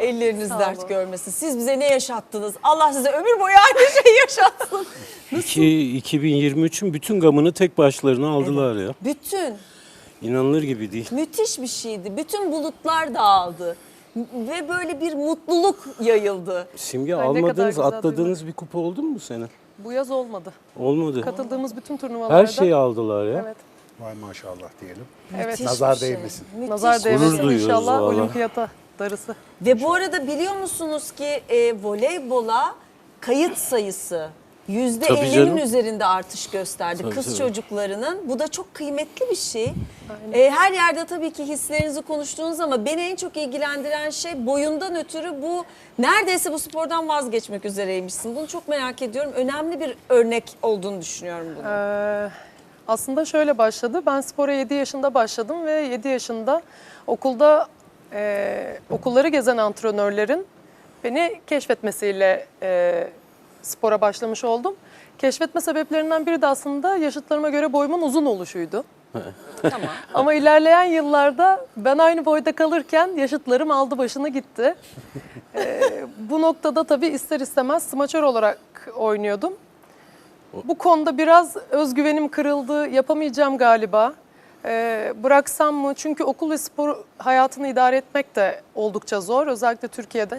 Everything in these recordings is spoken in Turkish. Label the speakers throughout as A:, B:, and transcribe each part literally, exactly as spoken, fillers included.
A: Elleriniz
B: Sağ
A: dert
B: olun.
A: görmesin. Siz bize ne yaşattınız? Allah size ömür boyu aynı şeyi yaşatsın.
C: İki- iki bin yirmi üçün bütün gamını tek başlarına aldılar ya.
A: Bütün.
C: İnanılır gibi değil.
A: Müthiş bir şeydi. Bütün bulutlar dağıldı. Ve böyle bir mutluluk yayıldı.
C: Simge
B: Ay, ne kadar
C: almadığınız,
B: güzel
C: atladığınız bir kupa oldu mu bu sene?
B: Bu yaz olmadı.
C: Olmadı.
B: Katıldığımız bütün turnuvalarda.
C: Her şeyi aldılar ya.
B: Evet.
D: Vay maşallah diyelim.
B: Evet.
A: Müthiş
D: Nazar
A: bir şey.
D: değmesin.
A: Müthiş
B: Nazar
A: bir şey.
B: değmesin
C: duyuyoruz
B: inşallah
C: vallahi.
B: olimpiyata darısı.
A: Ve bu arada biliyor musunuz ki e, voleybola kayıt sayısı yüzde
C: Tabii
A: ellinin
C: canım.
A: üzerinde artış gösterdi
C: Tabii,
A: kız
C: tabii.
A: çocuklarının. Bu da çok kıymetli bir şey. E, her yerde tabii ki hislerinizi konuştuğunuz ama beni en çok ilgilendiren şey boyundan ötürü bu neredeyse bu spordan vazgeçmek üzereymişsin. Bunu çok merak ediyorum. Önemli bir örnek olduğunu düşünüyorum bunu.
B: Ee, aslında şöyle başladı. Ben spora yedi yaşında başladım ve yedi yaşında okulda e, okulları gezen antrenörlerin beni keşfetmesiyle e, spora başlamış oldum. Keşfetme sebeplerinden biri de aslında yaşıtlarıma göre boyumun uzun oluşuydu.
A: Tamam.
B: Ama ilerleyen yıllarda ben aynı boyda kalırken yaşıtlarım aldı başını gitti. Ee, bu noktada tabii ister istemez smaçör olarak oynuyordum. Bu konuda biraz özgüvenim kırıldı, yapamayacağım galiba. Ee, bıraksam mı? Çünkü okul ve spor hayatını idare etmek de oldukça zor, özellikle Türkiye'de.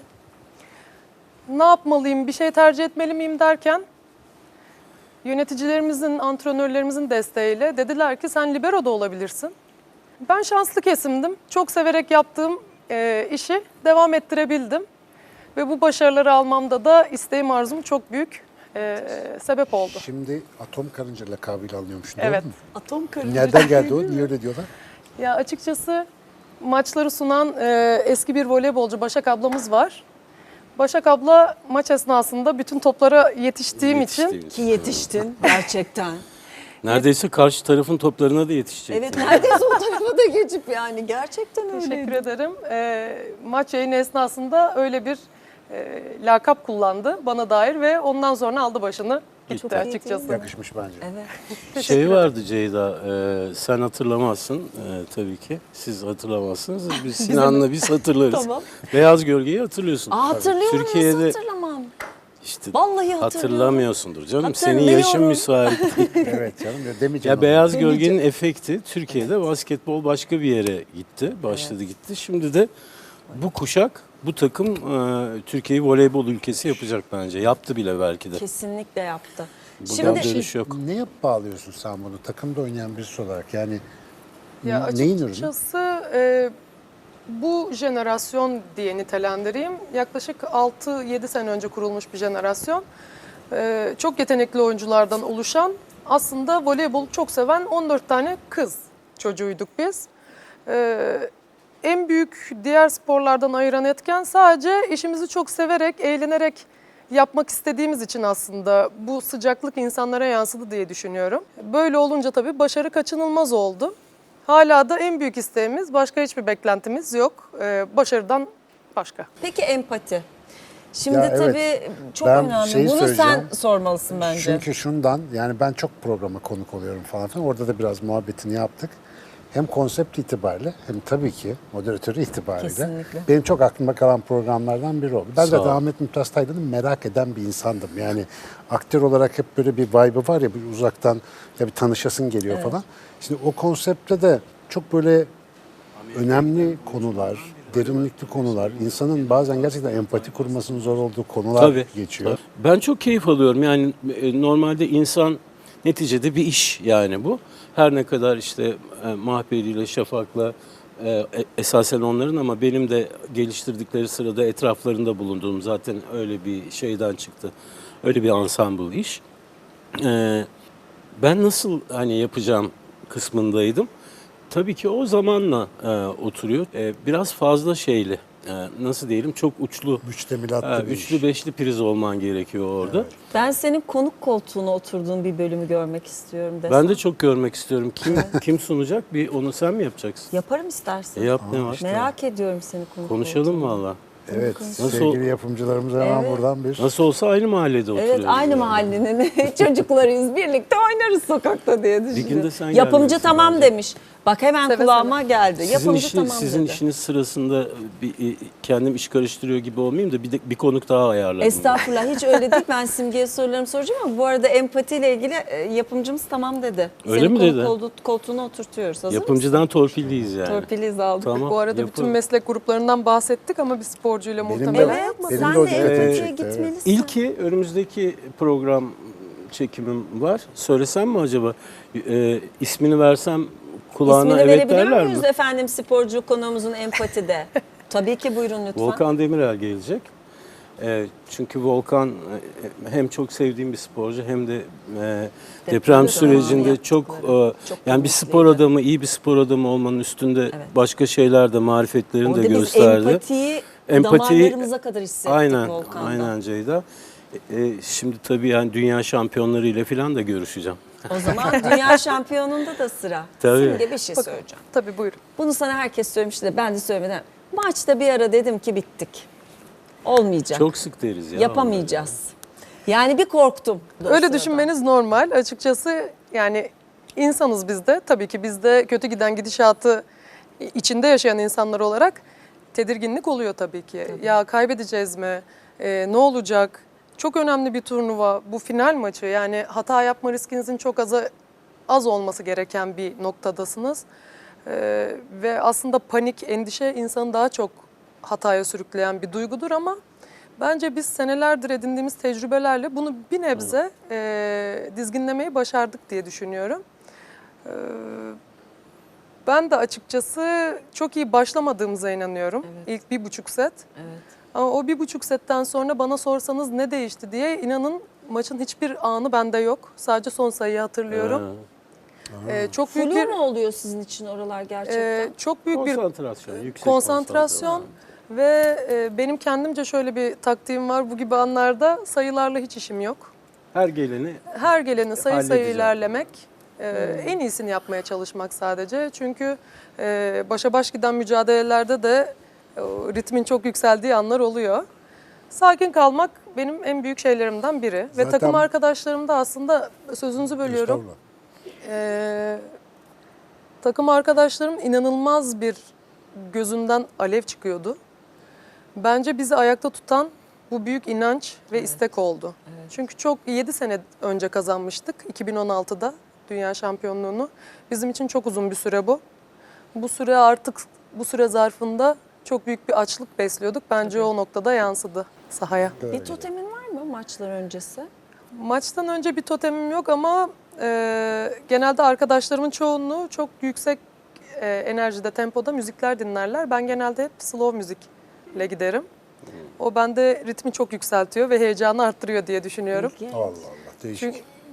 B: Ne yapmalıyım, bir şey tercih etmeli miyim derken yöneticilerimizin, antrenörlerimizin desteğiyle dediler ki sen libero da olabilirsin. Ben şanslı kesimdim. Çok severek yaptığım e, işi devam ettirebildim. Ve bu başarıları almamda da isteğim, arzum çok büyük e, sebep oldu.
D: Şimdi atom karınca lakabıyla alınıyormuş.
B: Evet.
D: Doğru mu?
A: Atom karınca.
D: Nereden geldi o? Niye öyle diyorlar?
B: Ya açıkçası maçları sunan e, eski bir voleybolcu Başak ablamız var. Başak abla maç esnasında bütün toplara yetiştiğim için
C: Yetiştiğimiz.
A: Ki yetiştin gerçekten.
C: Neredeyse karşı tarafın toplarına da yetişecek.
A: Evet neredeyse o tarafa da geçip yani gerçekten öyle.
B: teşekkür ederim. E, maç yayını esnasında öyle bir e, lakap kullandı bana dair ve ondan sonra aldı başını gitti
A: Çok iyi değil
B: açıkçası.
A: mi?
D: Yakışmış bence.
A: Evet.
C: Şey vardı Ceyda, e, sen hatırlamazsın e, tabii ki. Siz hatırlamazsınız. Biz Sinan'la biz hatırlarız.
A: Tamam.
C: Beyaz Gölge'yi hatırlıyorsun.
A: Aa, hatırlıyorum
C: Türkiye'de-
A: nasıl hatırlamam.
C: İşte
A: Vallahi hatırlıyorum.
C: hatırlamıyorsundur canım. Senin
A: Hatırlıyorum.
C: yaşın müsait.
D: Evet canım. Ya demeyeceğim.
C: Ya
D: ama.
C: Beyaz Gölge'nin efekti Türkiye'de basketbol başka bir yere gitti. Başladı gitti. Şimdi de bu kuşak, bu takım e, Türkiye'yi voleybol ülkesi yapacak bence. Yaptı bile belki de.
A: Kesinlikle yaptı.
C: Buradan
A: Şimdi
C: dönüş yok.
D: Ne yap bağlıyorsun sen bunu? Takımda oynayan birisi olarak yani
B: Ya
D: n- neyin ürünü?
B: açıkçası e, bu jenerasyon diye nitelendireyim. Yaklaşık altı yedi sene önce kurulmuş bir jenerasyon. E, çok yetenekli oyunculardan oluşan, aslında voleybolu çok seven on dört tane kız çocuğuyduk biz. E, en büyük diğer sporlardan ayıran etken sadece işimizi çok severek, eğlenerek yapmak istediğimiz için aslında bu sıcaklık insanlara yansıdı diye düşünüyorum. Böyle olunca tabii başarı kaçınılmaz oldu. Hala da en büyük isteğimiz, başka hiçbir beklentimiz yok. Ee, başarıdan başka.
A: peki empati. Şimdi
D: Ya evet,
A: tabii çok
D: ben
A: önemli.
D: şeyi
A: Bunu sen
D: söyleyeceğim.
A: sormalısın bence.
D: Çünkü şundan yani ben çok programa konuk oluyorum falan filan. Orada da biraz muhabbetini yaptık. Hem konsept itibariyle hem tabii ki moderatörü itibariyle.
A: Kesinlikle.
D: Benim çok aklıma kalan programlardan biri oldu. Ben
C: Sağ
D: zaten
C: ol.
D: Ahmet Mümtaz Taylan'ı merak eden bir insandım. Yani aktör olarak hep böyle bir vibe'ı var ya, bir uzaktan ya bir tanışasın geliyor falan. Şimdi o konseptte de çok böyle önemli konular, derinlikli konular, insanın bazen gerçekten empati kurmasının zor olduğu konular
C: Tabii.
D: geçiyor.
C: Tabii. Ben çok keyif alıyorum. Yani e, normalde insan neticede bir iş yani bu. Her ne kadar işte e, Mahperi ile Şafak'la e, e, esasen onların ama benim de geliştirdikleri sırada etraflarında bulunduğum zaten öyle bir şeyden çıktı. Öyle bir ensemble iş. E, ben nasıl hani yapacağım kısmındaydım. Tabii ki o zamanla e, oturuyor. E, biraz fazla şeyli. E, nasıl diyelim, çok uçlu.
D: Müştemilatlı
C: Ha,
D: bir
C: üçlü
D: iş.
C: beşli priz olman gerekiyor orada.
A: Ben senin konuk koltuğuna oturduğun bir bölümü görmek istiyorum desem.
C: Ben de çok görmek istiyorum. Kim kim sunacak? Bir onu sen mi yapacaksın?
A: Yaparım istersen.
C: E yap, ne var?
A: Merak ediyorum seni konuk
C: Konuşalım
A: koltuğuna.
C: valla.
D: Evet,
C: Nasıl-
D: sevgili yapımcılarımıza hemen
A: Evet.
D: buradan bir...
C: Nasıl olsa aynı mahallede oturuyoruz.
A: Evet aynı
C: yani.
A: mahallenin çocuklarıyız, birlikte oynarız sokakta diye düşünüyorum.
C: gün de sen
A: Yapımcı
C: gelmelisin
A: tamam
C: bence.
A: demiş. Bak hemen
B: Seve
A: kulağıma geldi.
C: Sizin,
A: Yapımcı
C: işiniz,
A: tamam
C: sizin
A: dedi.
C: işiniz sırasında bir, e, kendim iş karıştırıyor gibi olmayayım da bir, de, bir konuk daha ayarladım.
A: Estağfurullah hiç öyle değil. Ben Simge'ye sorularımı soracağım ama bu arada empatiyle ilgili e, yapımcımız tamam dedi.
C: Öyle
A: Seni
C: mi
A: konuk
C: dedi?
A: koltuğu- koltuğuna oturtuyoruz. Hazır
C: Yapımcıdan torpilliyiz yani.
A: mısın? Torpiliyiz aldık.
C: Tamam.
B: Bu arada
C: yapalım.
B: bütün meslek gruplarından bahsettik ama bir sporcuyla
D: Benim de-
B: muhtemelen
A: Evet,
B: yapmadık.
D: Benim
A: sen
D: de o
A: de
D: dikkatimi
A: empatiye
D: çekti, evet.
A: gitmelisin.
C: İlki önümüzdeki program çekimim var. Söylesem mi acaba? Ee, ismini versem kulağına
A: İsmini
C: evet
A: verebiliyor
C: derler
A: muyuz
C: mi?
A: efendim sporcu konuğumuzun empatide? Tabii ki buyurun lütfen.
C: Volkan Demirel gelecek. Ee, çünkü Volkan e, hem çok sevdiğim bir sporcu hem de e, deprem sürecinde
A: yaptıkları,
C: çok, e,
A: çok
C: yani bir spor
A: kıymetliydi.
C: adamı, iyi bir spor adamı olmanın üstünde
A: Evet.
C: başka şeyler de marifetlerini
A: Orada
C: de
A: biz
C: gösterdi.
A: empatiyi,
C: Empatiyi-
A: damarlarımıza kadar hissettik
C: Aynen,
A: Volkan'da.
C: aynen Ceyda. E, e, şimdi tabii yani dünya şampiyonları ile falan da görüşeceğim.
A: O zaman dünya şampiyonunda da sıra.
C: Tabii.
A: Simge bir şey söyleyeceğim.
B: Tabii buyurun.
A: Bunu sana herkes söylemişti de ben de söylemeden. Maçta bir ara dedim ki bittik. Olmayacak.
C: Çok sık deriz ya.
A: Yapamayacağız. Yani bir korktum. o
B: Öyle
A: sırada.
B: düşünmeniz normal. Açıkçası yani insanız biz de. Tabii ki biz de kötü giden gidişatı içinde yaşayan insanlar olarak tedirginlik oluyor tabii ki. Ya kaybedeceğiz mi? Ee, ne olacak? Çok önemli bir turnuva. Bu final maçı. Yani hata yapma riskinizin çok az, az olması gereken bir noktadasınız. Ee, ve aslında panik, endişe insanı daha çok hataya sürükleyen bir duygudur ama bence biz senelerdir edindiğimiz tecrübelerle bunu bir nebze e, dizginlemeyi başardık diye düşünüyorum. Ee, ben de açıkçası çok iyi başlamadığımıza inanıyorum.
A: Evet.
B: İlk bir buçuk set.
A: Evet.
B: Ama o bir buçuk setten sonra bana sorsanız ne değişti diye inanın maçın hiçbir anı bende yok. Sadece son sayıyı hatırlıyorum.
C: Ha.
B: Ee, çok büyük
A: Flu
B: bir
A: mu oluyor sizin için oralar gerçekten?
B: e, çok büyük bir
C: Konsantrasyon, yüksek
B: konsantrasyon ve e, benim kendimce şöyle bir taktiğim var. Bu gibi anlarda sayılarla hiç işim yok.
C: Her geleni
B: Her geleni sayı sayı
C: Halledeceğim.
B: ilerlemek, e, en iyisini yapmaya çalışmak sadece. Çünkü e, başa baş giden mücadelelerde de e, ritmin çok yükseldiği anlar oluyor. Sakin kalmak benim en büyük şeylerimden biri. Ve
D: Zaten-
B: takım arkadaşlarım da aslında sözünüzü bölüyorum.
D: Estağfurullah.
B: Ee, takım arkadaşlarım inanılmaz bir gözünden alev çıkıyordu. Bence bizi ayakta tutan bu büyük inanç ve istek oldu. Çünkü çok yedi sene önce kazanmıştık iki bin on altıda dünya şampiyonluğunu. Bizim için çok uzun bir süre bu. Bu süre artık bu süre zarfında çok büyük bir açlık besliyorduk. Bence o noktada yansıdı sahaya.
A: Bir totemin var mı maçlar öncesi?
B: Maçtan önce bir totemim yok ama e, genelde arkadaşlarımın çoğunluğu çok yüksek e, enerjide, tempoda müzikler dinlerler. Ben genelde hep slow müzikle giderim. O bende ritmi çok yükseltiyor ve heyecanı arttırıyor diye düşünüyorum.
A: İlginç.
D: Allah Allah değişik.
B: Çünkü